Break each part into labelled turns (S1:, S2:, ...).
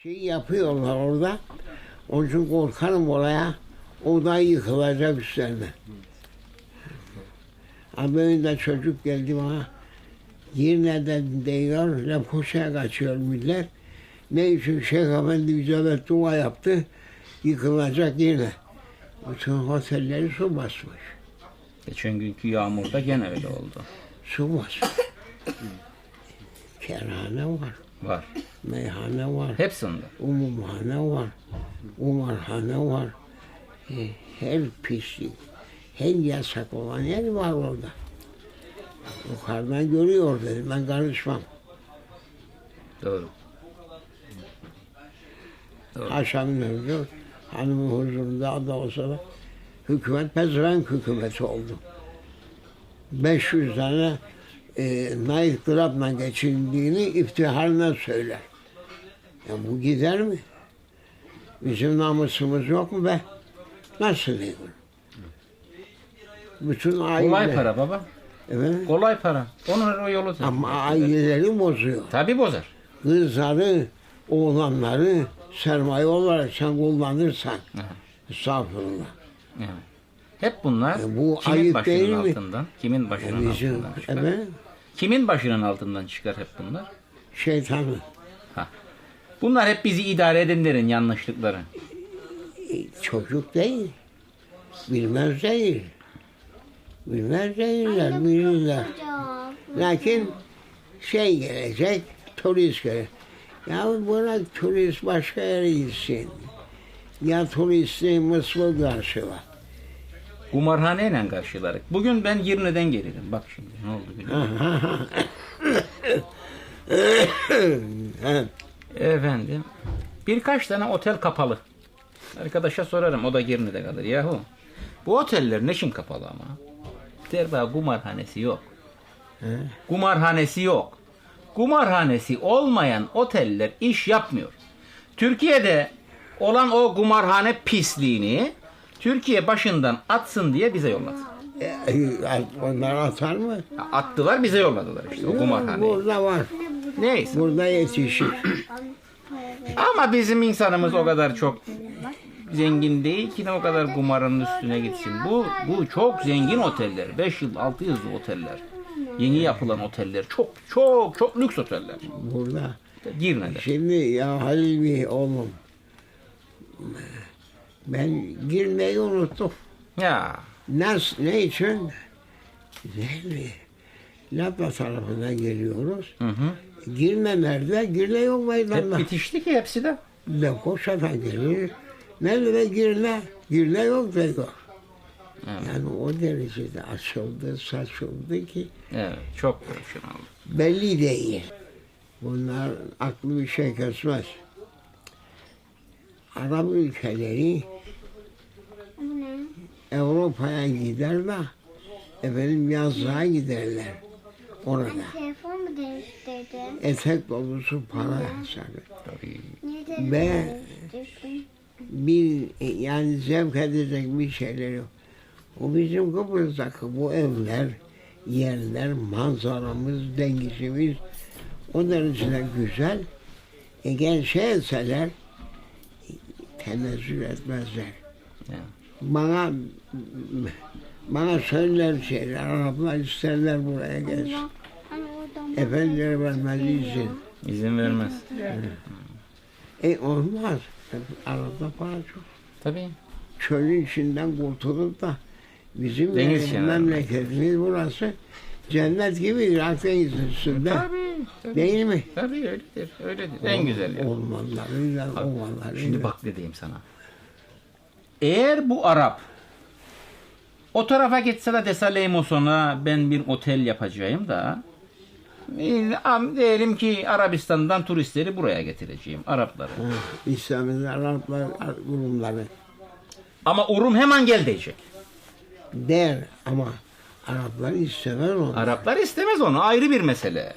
S1: Şey yapıyorlar orada. Onun için korkarım oraya. O da yıkılacak üstlerine. Abi önünde çocuk geldi bana. Yerine değiyor, Lefkoşa'ya kaçıyor millet. Ne için Şeyh Efendi bize dua yaptı. Yıkılacak yine. Bütün otelleri su basmış.
S2: Geçen günkü yağmurda gene öyle oldu.
S1: Su basmış. Kerhane var.
S2: Var.
S1: Meyhane var.
S2: Hepsinde.
S1: Umumhane var. Umarhane var. Her pislik, her yasak olan yer var orada. Yukarıdan görüyor dedim, ben karışmam.
S2: Doğru. Doğru.
S1: Akşam döndü, hanımın huzurunda da olsa da hükümet pezevenk hükümeti oldu. 500 tane Night Club'la geçindiğini iftiharına söyler. Ya bu gider mi? Bizim namusumuz yok mu be? Nasıl değil? Bütün aile...
S2: Kolay para baba.
S1: Evet.
S2: Kolay para. Onun o yolu.
S1: Ama aileleri bozuyor.
S2: Tabii bozar.
S1: Kızları, oğlanları sermaye olarak sen kullanırsan.
S2: Evet.
S1: Estağfurullah.
S2: Evet. Hep bunlar
S1: Bu
S2: kimin
S1: ayıp değil
S2: başının
S1: mi?
S2: altından? Kimin başının
S1: Bizim,
S2: altından çıkar?
S1: evet,
S2: Kimin başının altından çıkar hep bunlar?
S1: şeytanı.
S2: Ha. Bunlar hep bizi idare edenlerin yanlışlıkları.
S1: Çocuk değil. Bilmez değil. Bilmez değiller, bilirler. Lakin şey gelecek, turist gelecek. Ya buna turist başka yere gitsin. Ya turisti Mısır karşıla.
S2: Kumarhaneyle karşılarık. Bugün ben Girne'den gelirim. Bak şimdi ne oldu biliyor musun? Efendim. Birkaç tane otel kapalı. Arkadaşa sorarım. O da Girne'de kalır. Yahu. Bu oteller ne için kapalı ama? Der bana kumarhanesi yok. Kumarhanesi yok. Kumarhanesi olmayan oteller iş yapmıyor. Türkiye'de olan o kumarhane pisliğini Türkiye başından atsın diye bize yolladı.
S1: Onlar atar mı?
S2: Attılar bize yolladılar işte o kumarhaneyi.
S1: Burada var.
S2: Neyse.
S1: Burada yetişir.
S2: Ama bizim insanımız o kadar çok zengin değil ki o kadar kumarın üstüne gitsin. Bu çok zengin oteller. 5 yıl 6 yıldızlı oteller. Yeni yapılan oteller. Çok lüks oteller.
S1: Burada.
S2: Girne'de.
S1: Şimdi ya Halil Bey oğlum. Ben girmeyi unuttum.
S2: Ya.
S1: Ne için? Zehri. Lapla tarafından geliyoruz. Girme nerede? Girme yok
S2: Hep
S1: meydanda.
S2: bitişti ki hepsi de.
S1: Lefkoşa'dan gelir. Nerede girme? Girme yok diyor.
S2: Evet.
S1: Yani o derecede açıldı, saçıldı ki
S2: Evet. Çok profesyonel.
S1: belli değil. Bunlar aklı bir şey kesmez. Arap ülkeleri Avrupa'ya gider de efendim yazlığa giderler orada.
S3: Telefon mu değiştirdin?
S1: Etek dolusu para hesabı.
S2: Tabii.
S3: Niye telefon
S1: Ve
S3: değiştirdin?
S1: bir yani zevk edecek bir şeyler yok. O bizim Kıbrıs'taki bu evler, yerler, manzaramız, dengisimiz o derecede güzel. Eğer şey etseler tenezzül etmezler.
S2: Ya.
S1: Bana söyler şeyler, Araplar isterler buraya gelsin.
S3: Hani oradan
S1: Efendiler vermez izin.
S2: İzin vermez.
S1: Olmaz. Arap'ta para çok.
S2: Tabii.
S1: Çölün içinden kurtulup da bizim
S2: Deniz kenarında.
S1: memleketimiz burası cennet gibidir Akdeniz'in üstünde.
S2: Tabii.
S1: Değil mi?
S2: Tabii öyledir. Öyledir. En güzel yer.
S1: Ormanlarıyla, ovalarıyla.
S2: Şimdi bak ne diyeyim sana. Eğer bu Arap o tarafa gitse de dese Leymoson'a ben bir otel yapacağım da diyelim ki Arabistan'dan turistleri buraya getireceğim. Arapları.
S1: İslam'ın Araplar kurumları
S2: Ama Urum hemen gel diyecek.
S1: der ama Araplar istemez onu.
S2: Araplar istemez onu. Ayrı bir mesele.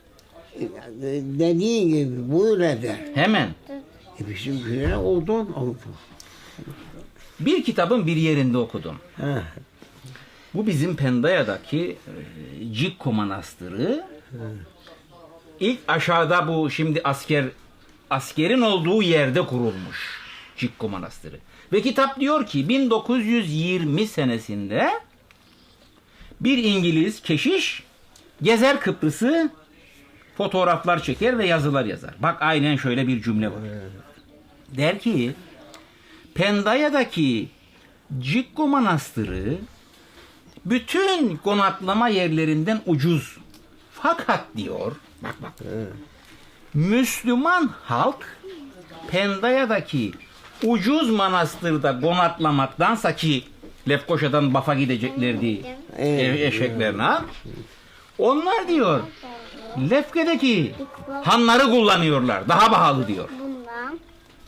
S1: Dediği gibi buyur eder.
S2: Hemen.
S1: Bizimkilere odun.
S2: Bir kitabın bir yerinde okudum.
S1: Ha.
S2: Bu bizim Pendaya'daki Cikko Manastırı. İlk aşağıda bu şimdi asker askerin olduğu yerde kurulmuş Cikko Manastırı. Ve kitap diyor ki 1920 senesinde bir İngiliz keşiş gezer Kıbrıs'ı, fotoğraflar çeker ve yazılar yazar. Bak aynen şöyle bir cümle var. Der ki Pendaya'daki Cikko Manastırı bütün konaklama yerlerinden ucuz. Fakat diyor, bak. Müslüman halk Pendaya'daki ucuz manastırda konaklamaktansa, ki Lefkoşa'dan Baf'a gideceklerdi eşeklerine. Onlar diyor Lefke'deki hanları kullanıyorlar. Daha pahalı diyor.
S3: Bundan.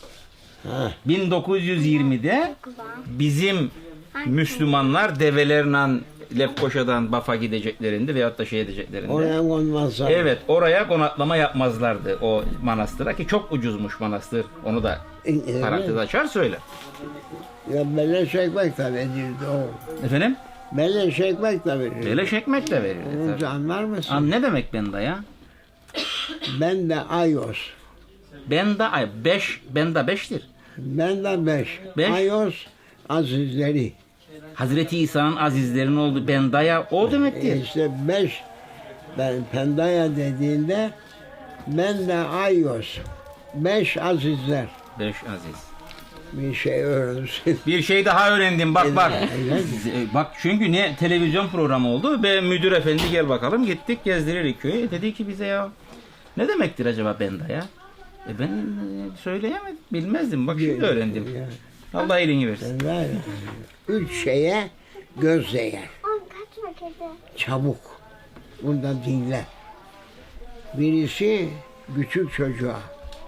S2: 1920'de bizim Müslümanlar develerle Lefkoşa'dan Baf'a gideceklerinde veyahut da şey edeceklerinde.
S1: Oraya konmazlar.
S2: Evet, oraya konaklama yapmazlardı o manastıra, ki çok ucuzmuş manastır. Onu da
S1: Evet.
S2: parantez açar söyle.
S1: Ya beleş ekmek de verirdi o.
S2: Efendim?
S1: Beleş ekmek de verirdi.
S2: Beleş ekmek de verirdi.
S1: Onu
S2: tabii.
S1: anlar mısın?
S2: An ne demek benda ya?
S1: Ben de ayos.
S2: Benda ay 5, benda 5'tir.
S1: Ben de 5.
S2: Beş?
S1: Ayos azizleri.
S2: Hazreti İsa'nın azizlerinin olduğu bendaya o demektir.
S1: İşte 5. Ben Pendaya dediğinde ben de ayos. 5 azizler.
S2: 5 aziz.
S1: Bir şey öğrensin.
S2: Bir şey daha öğrendim, bak.
S1: Evet.
S2: Bak çünkü ne televizyon programı oldu ve müdür efendi gel bakalım, gittik gezdiririk köyü. Dedi ki bize ya ne demektir acaba benda ya? Ben söyleyemedim, bilmezdim, bak şimdi öğrendim. Allah iyiliğini versin.
S1: Ben var ya, 3 şeye göz değer.
S3: Kaçma kedi.
S1: Çabuk. Bunda dinle. Birisi küçük çocuğa.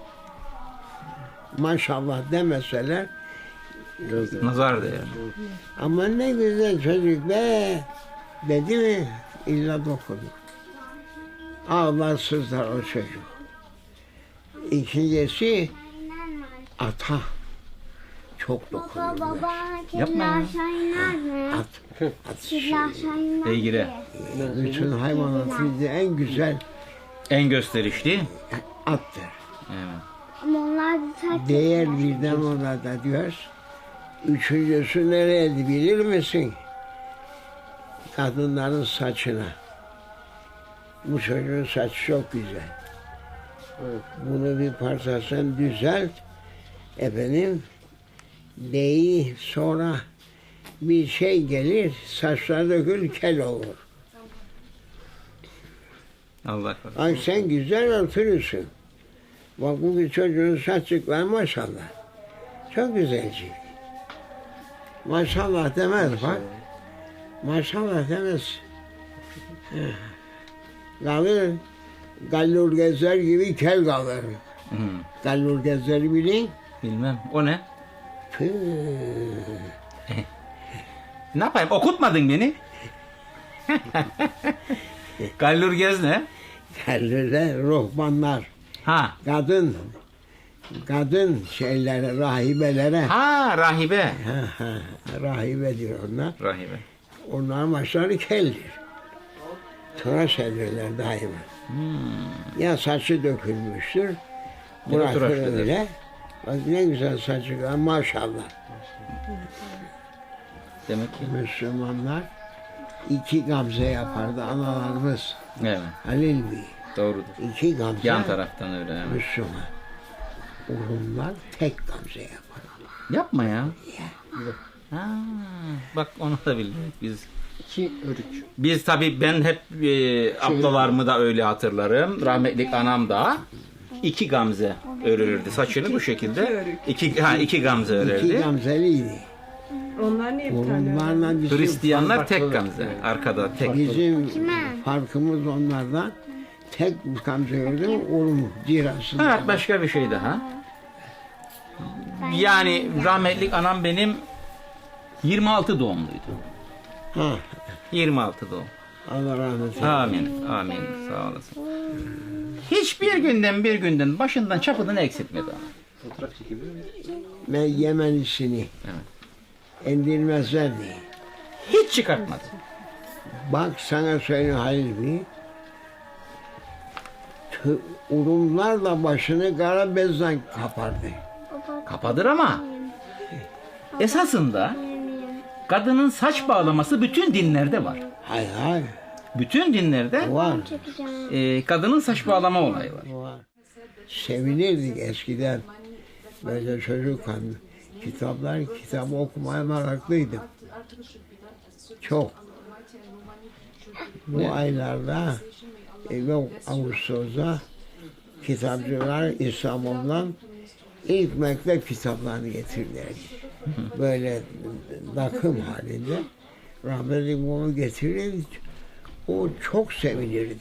S1: Maşallah demeseler
S2: Nazar değer.
S1: ama ne güzel çocuk be dedi mi illa dokudu. Ağlar sızlar o çocuk. İkincisi ata. Çok
S3: Baba
S1: dokunuyor.
S3: baba
S2: Yapma ya.
S3: kediler aşağı iner mi?
S1: At.
S3: Kediler aşağı iner mi?
S2: Beygire.
S1: Bütün hayvanatın en güzel
S2: En gösterişli.
S1: attır.
S2: Evet.
S3: Ama onlar da saç
S1: Değer birden ona da diyoruz. Üçüncüsü nereydi bilir misin? Kadınların saçına. Bu çocuğun saçı çok güzel. Bunu bir parça sen düzelt. Efendim, deği sonra bir şey gelir, saçlar dökülür, kel olur.
S2: Allah korusun.
S1: Ay sen güzel örtülüsün. Bak bu bir çocuğun saçlıkları maşallah. Çok güzelci. Maşallah demez bak. Maşallah demez. Kalır, gallur gezer gibi kel kalır.
S2: Hı.
S1: Gallur gezer bilin.
S2: Bilmem. O ne?
S1: Tüh.
S2: Ne yapayım? Okutmadın beni. Gallur gez ne?
S1: Gallur'da ruhbanlar,
S2: Ha.
S1: kadın şeylere, rahibelere,
S2: Ha, rahibe.
S1: rahibe diyor onlar.
S2: Rahibe.
S1: Onlar maçları keldir. Tıraş ederler daima. Ya saçı dökülmüştür,
S2: Ya da tıraş
S1: bırakır
S2: eder.
S1: öyle. Bak ne güzel saçı var maşallah.
S2: Demek ki.
S1: Müslümanlar 2 gamze yapardı analarımız.
S2: Evet.
S1: Halil Bey.
S2: Doğrudur.
S1: 2 gamze
S2: Yan taraftan öyle. Evet.
S1: Müslüman. Rumlar tek gamze yapar.
S2: Yapma ya. Ha, bak onu da bildik biz.
S4: 2 örük.
S2: Biz tabii ben hep ablalarımı da öyle hatırlarım. Rahmetlik anam da 2 gamze örülürdü. Saçını bu şekilde. 2 gamze
S1: 2
S2: örerdi.
S1: gamzeliydi.
S5: Onlar niye bir tane?
S1: Rumlarla bizim,
S2: Hristiyanlar tek gamze. Arkada tek.
S1: bizim farkımız onlardan tek gamze gördüm. Rum cirasında.
S2: Evet, başka bir şey daha. Yani rahmetlik anam benim 26 doğumluydu.
S1: Ha,
S2: 26 doğum.
S1: Allah rahmet eylesin.
S2: Amin. Amin. Sağ olasın. Hiçbir günden başından çapından eksiltmedi ama.
S4: Fotoğraf çekebilir miyiz?
S1: Ben Yemenisini indirmezler diye.
S2: Hiç çıkartmadı.
S1: Bak sana söyleyeyim Halil Bey. Urumlarla başını kara bezle kapardı.
S2: Kapadır ama esasında kadının saç bağlaması bütün dinlerde var.
S1: Hay hay.
S2: Bütün dinlerde
S1: Var.
S2: kadının saç bağlama olayı var.
S1: Var. Sevinirdik eskiden. Böyle çocukken kitabı okumaya meraklıydım. Çok. Bu aylarda yok Ağustos'ta kitapçılar İstanbul'dan ilk mektep kitaplarını getirirlerdi. Böyle takım halinde. Rahmetli bunu getirirdi. O çok sevinirdim.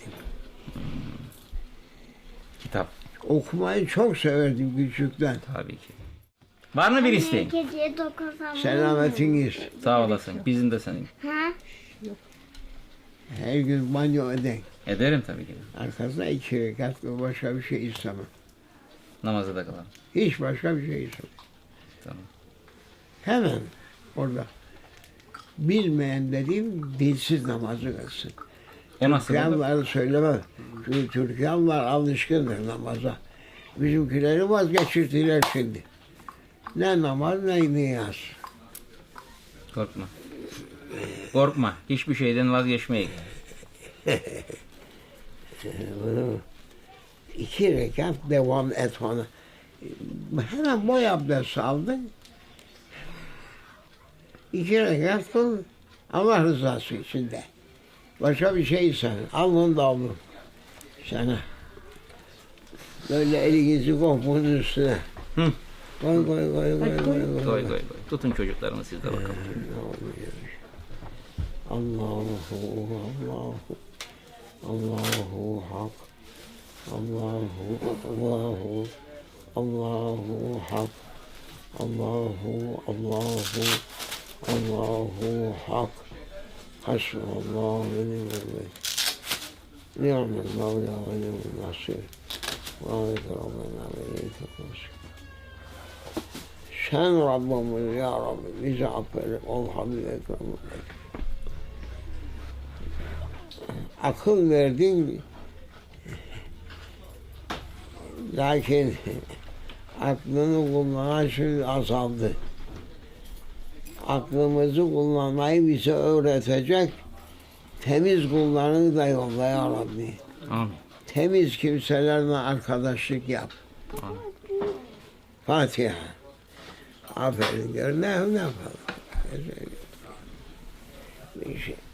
S2: Kitap
S1: Okumayı çok severdim küçükten.
S2: tabii ki. Var mı bir isteğin?
S3: Kediye dokunsam.
S1: Selametiniz.
S2: Sağ olasın. Bizim de senin.
S3: Ha?
S1: Her gün banyo edin.
S2: Ederim tabii ki.
S1: Arkasına 2 rekat ve başka bir şey istemem.
S2: Namazda da kalalım.
S1: Hiç başka bir şey istemem.
S2: Tamam.
S1: Hemen orada. Bilmeyen dediğim dilsiz namazı kılsın.
S2: O nasıl olur?
S1: Türkiye'liler söylemem. Çünkü Türkiye'liler alışkındır namaza. Bizimkileri vazgeçirdiler şimdi. Ne namaz ne niyaz.
S2: Korkma. Korkma. Hiçbir şeyden vazgeçmeyin.
S1: 2 rekat devam et ona. Hemen boy abdest aldın. 2 rekat kıl. Allah rızası için de. Başka bir şey sen. Alın da alın. Sana. Böyle elinizi koy bunun üstüne.
S2: Hı.
S1: Koy koy koy koy koy.
S2: Koy koy koy. Tutun çocuklarını siz de bakalım.
S1: Allahu Allahu Allahu Hak Allahu Hak Allahu Hak Hasbunallahu ve ni'mel vekil. Ni'mel mevla ve ni'mel nasir. Ve aleyke Rabbena ve ileyke nasir. Sen Rabbimiz ya Rabbi bizi affedip ol Habib Ekrem'e. Akıl verdin, lakin aklını kullanan şimdi azaldı. Aklımızı kullanmayı bize öğretecek temiz kullarını da yolla ya Rabbi.
S2: Amin.
S1: Temiz kimselerle arkadaşlık yap.
S2: Amin.
S1: Fatiha. Aferin gör ne yapalım. Bir şey.